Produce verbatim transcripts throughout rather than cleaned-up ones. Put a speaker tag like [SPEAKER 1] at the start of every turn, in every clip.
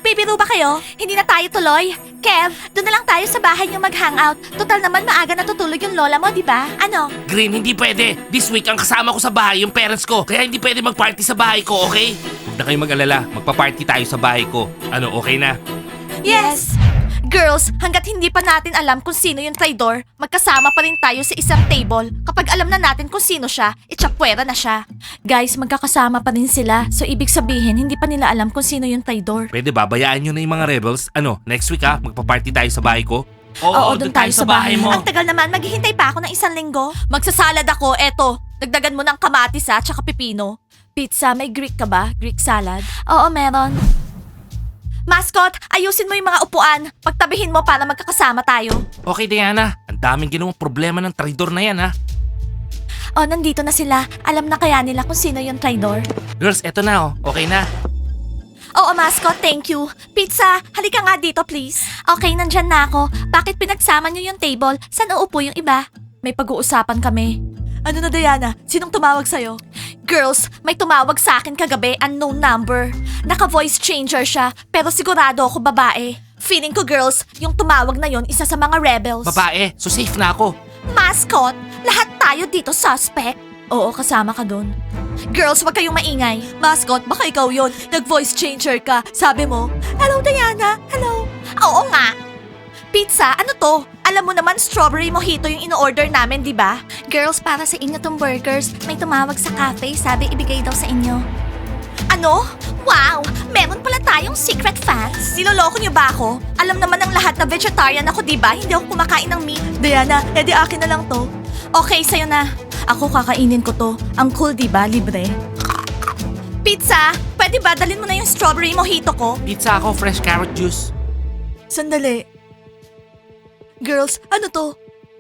[SPEAKER 1] Nagbibiro ba kayo? Hindi na tayo tuloy? Kev, doon na lang tayo sa bahay niyo mag-hangout. Total naman maaga natutulog yung lola mo, di ba? Ano?
[SPEAKER 2] Green, hindi pwede. This week ang kasama ko sa bahay yung parents ko. Kaya hindi pwede mag-party sa bahay ko, okay? Huwag na kayong mag-alala. Magpa-party tayo sa bahay ko. Ano, okay na?
[SPEAKER 1] Yes! Girls, hanggat hindi pa natin alam kung sino yung traidor, magkasama pa rin tayo sa isang table. Kapag alam na natin kung sino siya, itsapwera na siya. Guys, magkakasama pa rin sila. So ibig sabihin, hindi pa nila alam kung sino yung traidor.
[SPEAKER 2] Pwede ba, bayaan nyo na yung mga rebels? Ano, next week ha? Magpa-party tayo sa bahay ko?
[SPEAKER 1] Oo, doon tayo sa bahay mo. Ang tagal naman, maghihintay pa ako ng isang linggo. Magsasalad ako, eto. Dagdagan mo ng kamatis ha, tsaka pipino. Pizza, may Greek ka ba? Greek salad? Oo, meron. Mascot, ayusin mo yung mga upuan. Pagtabihin mo para magkakasama tayo.
[SPEAKER 2] Okay, Diana. Ang daming ginawang problema ng traidor na yan ha.
[SPEAKER 1] Oh, nandito na sila. Alam na kaya nila kung sino yung traidor?
[SPEAKER 2] Girls, eto na oh. Okay na.
[SPEAKER 1] Oo, mascot, thank you. Pizza, halika nga dito, please. Okay, nandyan na ako. Bakit pinagsama niyo yung table? Saan uupo yung iba? May pag-uusapan kami. Ano na, Diana? Sinong tumawag sa'yo? Girls, may tumawag sa akin kagabi, unknown number. Naka-voice changer siya, pero sigurado ako babae. Feeling ko, girls, yung tumawag na yon isa sa mga rebels.
[SPEAKER 2] Babae, so safe na ako.
[SPEAKER 1] Mascot, lahat tayo dito suspect. Oo, kasama ka dun. Girls, wag kayong maingay. Mascot, baka ikaw yon. Nag-voice changer ka. Sabi mo, hello Diana, hello. Oo nga. Pizza, ano to? Alam mo naman, strawberry mojito yung in-order namin, di ba? Girls, para sa inyo tong burgers. May tumawag sa cafe, sabi ibigay daw sa inyo. Ano? Wow! Meron pala tayong secret fans. Niloloko niyo ba ako? Alam naman ng lahat na vegetarian ako, di ba? Hindi ako kumakain ng meat. Diana, edi akin na lang to. Okay, sa'yo na. Ako kakainin ko to. Ang cool, di ba? Libre. Pizza, pwede ba dalhin mo na yung strawberry mojito ko?
[SPEAKER 2] Pizza ako, fresh carrot juice.
[SPEAKER 1] Sandali. Girls, ano to?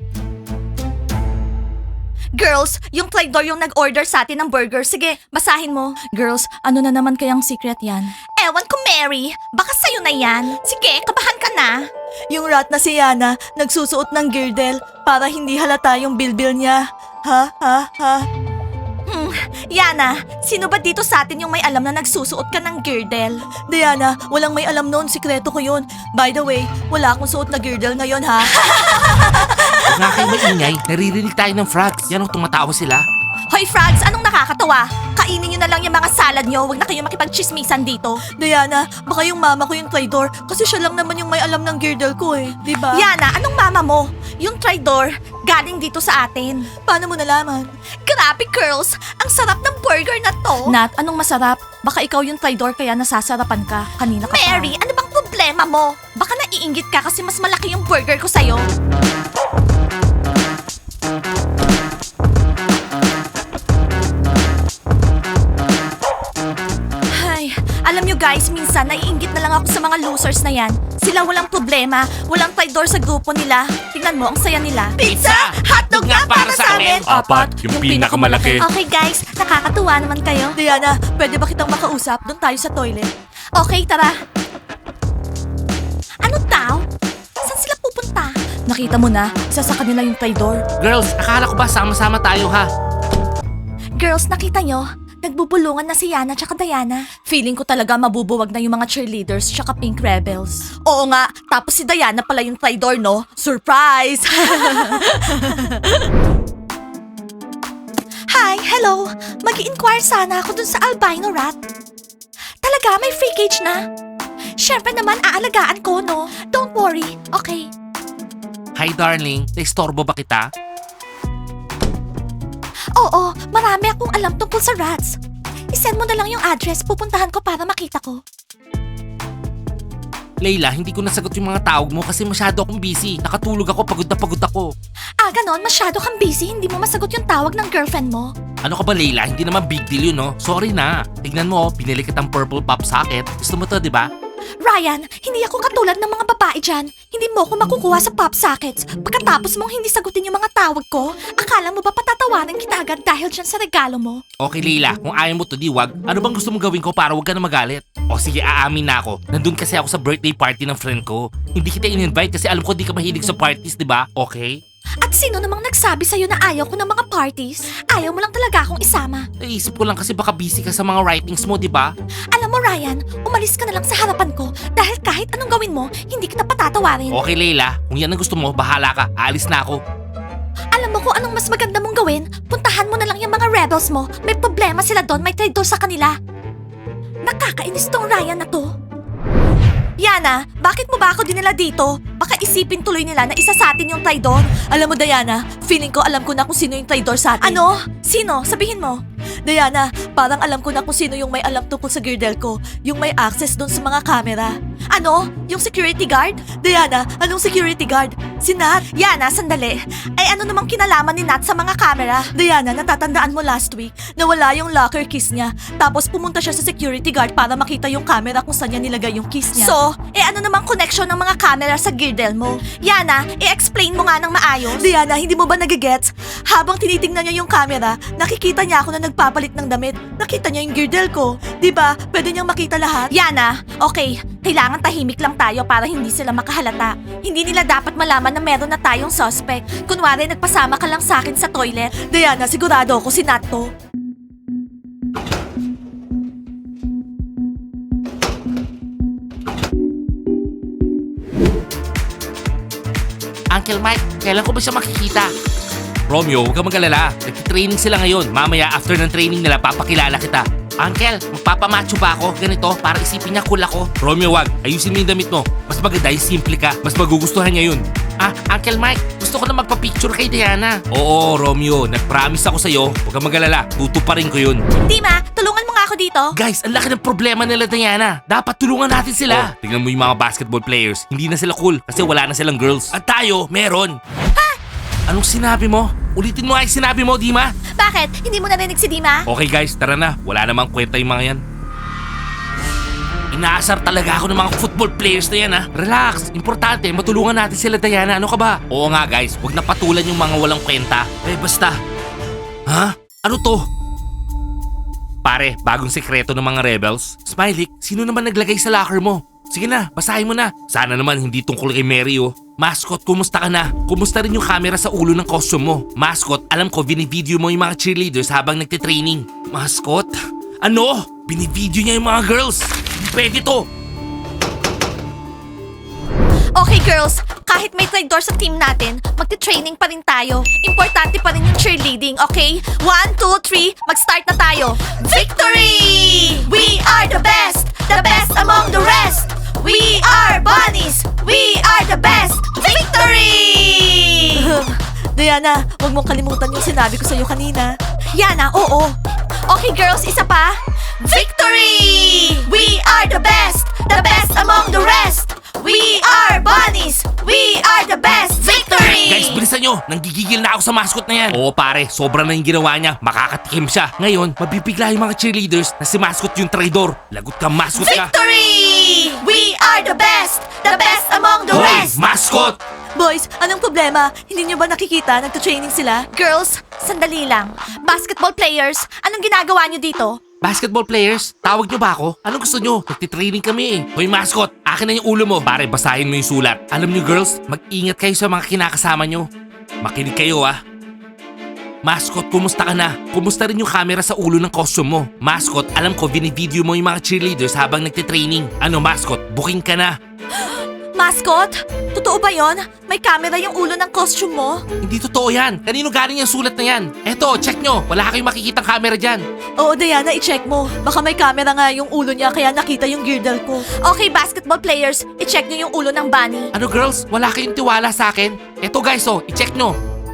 [SPEAKER 1] Girls, yung traidor yung nag-order sa atin ng burger. Sige, basahin mo. Girls, ano na naman kayang secret yan? Ewan ko, Mary. Baka sa'yo na yan. Sige, kabahan ka na. Yung rat na si Yana, nagsusuot ng girdle para hindi halata yung bilbil niya. Ha? Ha? Ha? Hmm, Yana, sino ba dito sa atin yung may alam na nagsusuot ka ng girdle? Diana, walang may alam noon. Sikreto ko yun. By the way, wala akong suot na girdle ngayon, ha?
[SPEAKER 2] Huwag nga kayo maingay. Naririnig tayo ng frogs. Yan ang tumatawa sila.
[SPEAKER 1] Hoy, frogs, anong nakakatawa? Kainin nyo na lang yung mga salad nyo. Huwag na kayong makipagchismisan dito. Diana, baka yung mama ko yung traidor kasi siya lang naman yung may alam ng girdle ko eh. Di ba? Yana, anong mama mo? Yung traidor, galing dito sa atin. Paano mo nalaman? Grabe, girls! Ang sarap ng burger na to! Nat, anong masarap? Baka ikaw yung traidor kaya nasasarapan ka. Kanina ka Mary, ano bang problema mo? Baka naiinggit ka kasi mas malaki yung burger ko sa'yo. Ay, alam nyo guys, minsan naiinggit na lang ako sa mga losers na yan. Sila walang problema, walang traidor sa grupo nila. Tingnan mo, ang saya nila. Pizza! Hotdog nga para sa amin!
[SPEAKER 2] Apat, yung pinakamalaki.
[SPEAKER 1] Okay guys, nakakatuwa naman kayo. Diana, pwede ba kitang makausap? Doon tayo sa toilet. Okay, tara. Ano daw? Saan sila pupunta? Nakita mo na, isa sa kanila yung traidor.
[SPEAKER 2] Girls, akala ko ba sama-sama tayo ha?
[SPEAKER 1] Girls, nakita nyo? Nagbubulungan na si Yana tsaka Diana. Feeling ko talaga mabubuwag na yung mga cheerleaders tsaka pink rebels. Oo nga, tapos si Diana pala yung traidor, no? Surprise! Hi, hello. Mag-i-inquire sana ako dun sa albino rat. Talaga, may free cage na? Siyempre naman, aalagaan ko, no? Don't worry, okay?
[SPEAKER 2] Hi darling, naistorbo ba kita?
[SPEAKER 1] Oo, marami akong alam tungkol sa rats. I-send mo na lang yung address, pupuntahan ko para makita ko.
[SPEAKER 2] Layla, hindi ko nasagot yung mga tawag mo kasi masyado akong busy. Nakatulog ako, pagod na pagod ako.
[SPEAKER 1] Ah, ganon, masyado kang busy, hindi mo masagot yung tawag ng girlfriend mo.
[SPEAKER 2] Ano ka ba Layla? Hindi naman big deal yun, no? Sorry na. Tignan mo, pinili kitang purple pop socket. Gusto mo to, di ba?
[SPEAKER 1] Ryan, hindi ako katulad ng mga babae dyan. Hindi mo ako makukuha sa pop sockets. Pagkatapos mong hindi sagutin yung mga tawag ko, akala mo ba patatawanan kita agad dahil dyan sa regalo mo?
[SPEAKER 2] Okay Layla, kung ayaw mo to di wag, ano bang gusto mong gawin ko para wag ka na magalit? O sige, aamin na ako. Nandun kasi ako sa birthday party ng friend ko. Hindi kita in-invite kasi alam ko di ka mahilig sa parties, di ba? Okay?
[SPEAKER 1] At sino namang nagsabi sa'yo na ayaw ko ng mga parties? Ayaw mo lang talaga akong isama.
[SPEAKER 2] Naisip ko lang kasi baka busy ka sa mga writings mo, di ba?
[SPEAKER 1] Alam mo Ryan, umalis ka na lang sa harapan ko dahil Kahit anong gawin mo, hindi kita patatawarin.
[SPEAKER 2] Okay, Leila. Kung yan ang gusto mo, bahala ka. Aalis na ako.
[SPEAKER 1] Alam mo kung anong mas maganda mong gawin? Puntahan mo na lang yung mga rebels mo. May problema sila doon, may traitor sa kanila. Nakakainis tong Ryan na to. Yana, bakit mo ba ako dinala dito? Baka isipin tuloy nila na isa sa atin yung traidor. Alam mo, Diana, feeling ko alam ko na kung sino yung traidor sa atin. Ano? Sino? Sabihin mo. Diana, parang alam ko na kung sino yung may alam tungkol sa girdle ko. Yung may access doon sa mga camera. Ano? Yung security guard? Diana, anong security guard? Si Nat? Yana, sandali. Ay ano namang kinalaman ni Nat sa mga camera? Diana, natatandaan mo last week na wala yung locker keys niya. Tapos pumunta siya sa security guard para makita yung camera kung saan niya nilagay yung keys niya. So, eh ano namang connection ng mga camera sa girdle mo? Yana, i-explain mo nga ng maayos. Diana, hindi mo ba nagigets? Habang tinitingnan niya yung camera, nakikita niya ako na nagpapalit ng damit. Nakita niya yung girdle ko. Diba? Pwede niyang makita lahat. Yana, okay. Kailangan tahimik lang tayo para hindi sila makahalata. Hindi nila dapat malaman na meron na tayong suspect. Kunwari, nagpasama ka lang sa akin sa toilet. Diana, sigurado ako si Nat to.
[SPEAKER 2] Uncle Mike, kailan ko ba siya makikita? Romeo, huwag kang mag-alala. Nagtitraining sila ngayon. Mamaya, after ng training nila, papakilala kita. Uncle, magpapamacho ba ako? Ganito, para isipin niya cool ako. Romeo, wag. Ayusin mo yung damit mo. Mas maganda yung simple ka. Mas magugustuhan niya yun. Ah, Uncle Mike, gusto ko na magpa-picture kay Diana. Oo, Romeo. Nag-promise ako sa'yo. Huwag kang mag-alala. Tutuparin ko yun.
[SPEAKER 1] Dima, tulungan mo nga ako dito.
[SPEAKER 2] Guys, ang laki ng problema nila, Diana. Dapat tulungan natin sila. Oh, tingnan mo yung mga basketball players. Hindi na sila cool kasi wala na silang girls. At tayo, meron.
[SPEAKER 1] Ha?
[SPEAKER 2] Anong sinabi mo? Ulitin mo nga yung sinabi mo, Dima.
[SPEAKER 1] Bakit? Hindi mo narinig si Dima?
[SPEAKER 2] Okay guys, tara na. Wala namang kwenta yung mga yan. Inaasar talaga ako ng mga football players na yan ha. Relax. Importante, matulungan natin sila, Diana. Ano ka ba? Oo nga guys, huwag na patulan yung mga walang kwenta. Eh basta. Ha? Ano to? Pare, bagong sekreto ng mga rebels. Smiley, sino naman naglagay sa locker mo? Sige na, basahin mo na. Sana naman hindi tungkol kay Mary oh. Mascot, kumusta ka na? Kumusta rin yung camera sa ulo ng costume mo? Mascot, alam ko binivideo mo yung mga cheerleaders habang nagtitraining. Mascot? Ano? Binivideo niya yung mga girls? Pwede to.
[SPEAKER 1] Okay girls, kahit may traitor sa team natin, magti-training pa rin tayo. Importante pa rin yung cheerleading, okay? One, two, three, mag-start na tayo. Victory! We are the best! The best among the rest! We are bunnies! We are the best! Victory! Diana, huwag mong kalimutan yung sinabi ko sa'yo kanina. Yana, oo. Okay girls, isa pa. Victory! We are the best! The best among the rest! We are bunnies! We are the best! Victory!
[SPEAKER 2] Guys, bilisan nyo! Nanggigigil na ako sa mascot na yan. Oo pare, sobra na yung ginawa niya. Makakatikim siya. Ngayon, mabibigla yung mga cheerleaders na si mascot yung traidor. Lagot ka, mascot ka.
[SPEAKER 1] Victory! We are the best! The best among the
[SPEAKER 2] Hoy,
[SPEAKER 1] rest!
[SPEAKER 2] mascot!
[SPEAKER 1] Boys, anong problema? Hindi niyo ba nakikita? Nagtutraining sila? Girls, sandali lang. Basketball players, anong ginagawa niyo dito?
[SPEAKER 2] Basketball players, tawag nyo ba ako? Anong gusto nyo? Nagtitraining kami eh. Hoy mascot, akin na yung ulo mo. Pare, basahin mo yung sulat. Alam nyo girls, mag-ingat kayo sa mga kinakasama nyo. Makinig kayo ah. Mascot, kumusta ka na? Kumusta rin yung camera sa ulo ng costume mo? Mascot, alam ko binivideo mo yung mga cheerleaders habang nagtitraining. Ano mascot, booking ka na.
[SPEAKER 1] Mascot, totoo ba yon? May camera yung ulo ng costume mo?
[SPEAKER 2] Hindi totoo yan. Kanino galing yung sulat na yan? Eto, check nyo. Wala kayong makikitang camera dyan.
[SPEAKER 1] Oo, Diana, i-check mo. Baka may camera nga yung ulo niya kaya nakita yung girdle ko. Okay, basketball players, i-check nyo yung ulo ng bunny.
[SPEAKER 2] Ano girls, wala kayong tiwala sa akin? Eto guys oh, i-check nyo.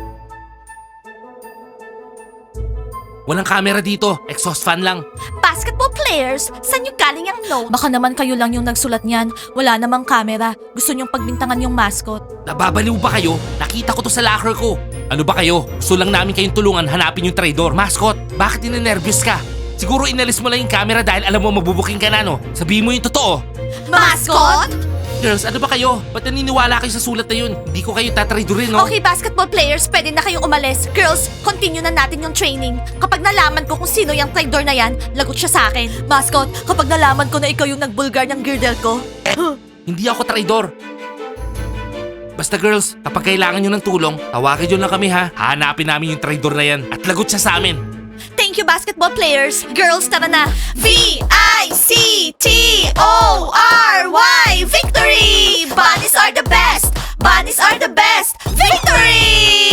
[SPEAKER 2] Walang camera dito, exhaust fan lang.
[SPEAKER 1] Basketball players, saan yung galing ang note? Baka naman kayo lang yung nagsulat niyan. Wala namang camera. Gusto niyong pagbintangan yung mascot.
[SPEAKER 2] Nababaliw ba kayo? Nakita ko to sa locker ko. Ano ba kayo? Gusto lang namin kayong tulungan hanapin yung traidor. Mascot, bakit ninenervyos ka? Siguro inalis mo lang yung camera dahil alam mo mabubuking ka na no? Sabihin mo yung totoo.
[SPEAKER 1] Mascot?
[SPEAKER 2] Girls, ano ba kayo? Ba't naniniwala kayo sa sulat na yun? Hindi ko kayo tatraidorin no?
[SPEAKER 1] Okay, basketball players, pwede na kayong umalis. Girls, continue na natin yung training. Kapag nalaman ko kung sino yung traidor na yan, lagot siya sa akin. Mascot, kapag nalaman ko na ikaw yung nagbulgar ng girdle ko.
[SPEAKER 2] Hindi ako traidor. Basta girls, kapag kailangan nyo ng tulong, tawagan nyo lang kami ha. Hahanapin namin yung traidor na yan at lagot siya sa amin.
[SPEAKER 1] Thank you, basketball players. Girls, tara na. V I C T O R Y Victory! best! Victory!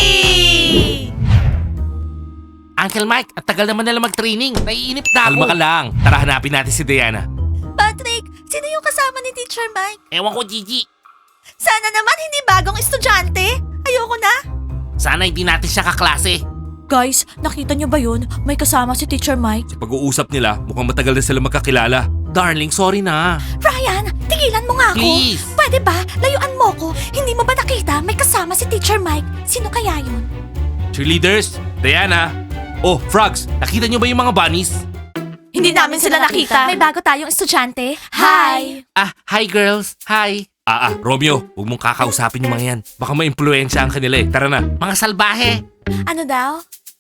[SPEAKER 2] Uncle Mike, at tagal naman nila mag-training. Naiinip na ako. Kalma ka lang. Tara, hanapin natin si Diana.
[SPEAKER 1] Patrick, sino yung kasama ni Teacher Mike?
[SPEAKER 2] Ewan ko, Gigi.
[SPEAKER 1] Sana naman hindi bagong estudyante. Ayoko na.
[SPEAKER 2] Sana hindi natin siya kaklase.
[SPEAKER 1] Guys, nakita niyo ba yun? May kasama si Teacher Mike.
[SPEAKER 2] Sa pag-uusap nila, mukhang matagal na sila magkakilala. Darling, sorry na.
[SPEAKER 1] Ryan, tigilan mo nga ako.
[SPEAKER 2] Please.
[SPEAKER 1] Pwede ba? Layuan mo ko. Hindi mo ba nakita may kasama si Teacher Mike? Sino kaya yun?
[SPEAKER 2] Cheerleaders, Diana. Oh, Frogs, nakita niyo ba yung mga bunnies?
[SPEAKER 1] Hindi namin sila nakita. May bago tayong estudyante. Hi!
[SPEAKER 2] Ah, hi girls. Hi. Ah, ah, Romeo, huwag mong kakausapin yung mga yan. Baka ma-impluensya ang kanila eh. Tara na. Mga salbahe.
[SPEAKER 1] Ano daw?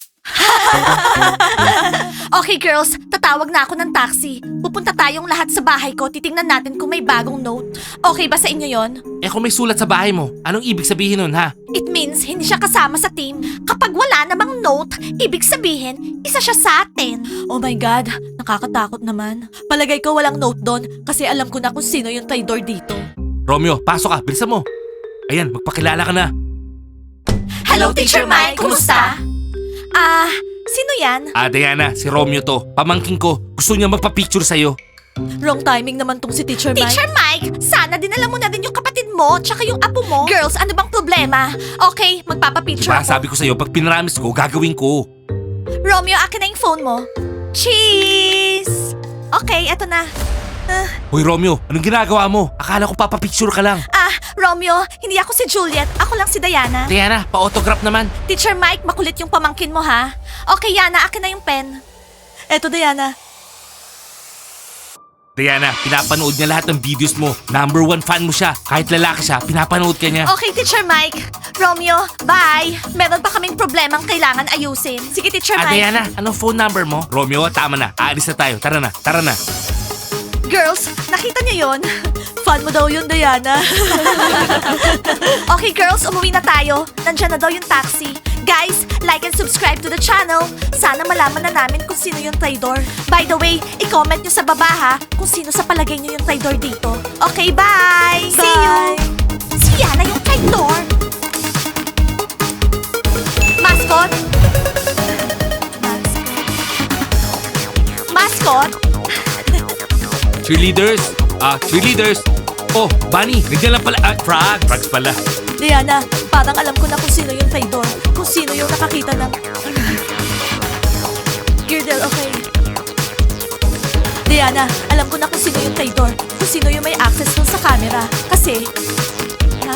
[SPEAKER 1] Okay girls, tatawag na ako ng taxi. Pupunta tayong lahat sa bahay ko. Titingnan natin kung may bagong note. Okay ba sa inyo yon?
[SPEAKER 2] Eh kung may sulat sa bahay mo, anong ibig sabihin nun ha?
[SPEAKER 1] It means hindi siya kasama sa team. Kapag wala namang note, ibig sabihin, isa siya sa atin. Oh my God, nakakatakot naman. Palagay ko walang note doon kasi alam ko na kung sino yung traitor dito.
[SPEAKER 2] Romeo, pasok ka. Bilisan mo. Ayan, magpakilala ka na.
[SPEAKER 1] Hello, Teacher Mike. Kumusta? Ah, sino yan?
[SPEAKER 2] Ah, Diana, si Romeo to. Pamangking ko. Gusto niya magpa-picture sa'yo.
[SPEAKER 1] Wrong timing naman tong si Teacher Mike. Teacher Mike, sana dinala mo na din yung kapatid mo tsaka yung apo mo. Girls, ano bang problema? Okay, magpapapicture
[SPEAKER 2] Diba,
[SPEAKER 1] ako.
[SPEAKER 2] sabi ko sa'yo, pag pinramis ko, gagawin ko.
[SPEAKER 1] Romeo, akin na yung phone mo. Cheese! Okay, eto na. Ah,
[SPEAKER 2] Hoy Romeo, anong ginagawa mo? Akala ko papapicture ka lang.
[SPEAKER 1] ah, Romeo, hindi ako si Juliet. Ako lang si Diana.
[SPEAKER 2] Diana, pa-autograph naman.
[SPEAKER 1] Teacher Mike, makulit yung pamangkin mo ha. Okay, Yana, akin na yung pen. Eto, Diana.
[SPEAKER 2] Diana, pinapanood niya lahat ng videos mo. Number one fan mo siya. Kahit lalaki siya, pinapanood ka niya.
[SPEAKER 1] Okay, Teacher Mike. Romeo, bye. Meron pa kaming problemang kailangan ayusin. Sige, Teacher
[SPEAKER 2] Ah,
[SPEAKER 1] Mike.
[SPEAKER 2] Diana, anong phone number mo? Romeo, tama na. Aalis na tayo. Tara na, tara na.
[SPEAKER 1] Girls, nakita niyo yon? Fan mo daw yun, Diana. Okay, girls, umuwi na tayo. Nandiyan na daw yung taxi. Guys, like and subscribe to the channel. Sana malaman na namin kung sino yung traitor. By the way, i-comment nyo sa baba ha kung sino sa palagay nyo yung traitor dito. Okay, bye! See you! Si Yana yung traitor! Mascot? Mascot?
[SPEAKER 2] Cheerleaders! Ah, cheerleaders! Oh, Bunny! Nandiyan lang pala. Ah, Frogs! Frogs pala.
[SPEAKER 1] Diana, parang alam ko na kung sino yung traitor. Kung sino yung nakakita ng... Girdle, okay. Diana, alam ko na kung sino yung traitor. Kung sino yung may access dun sa camera. Kasi... Ha?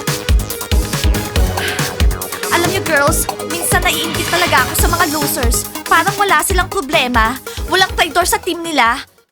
[SPEAKER 1] Alam niyo girls, minsan naiingit talaga ako sa mga losers. Parang wala silang problema. Walang traitor sa team nila.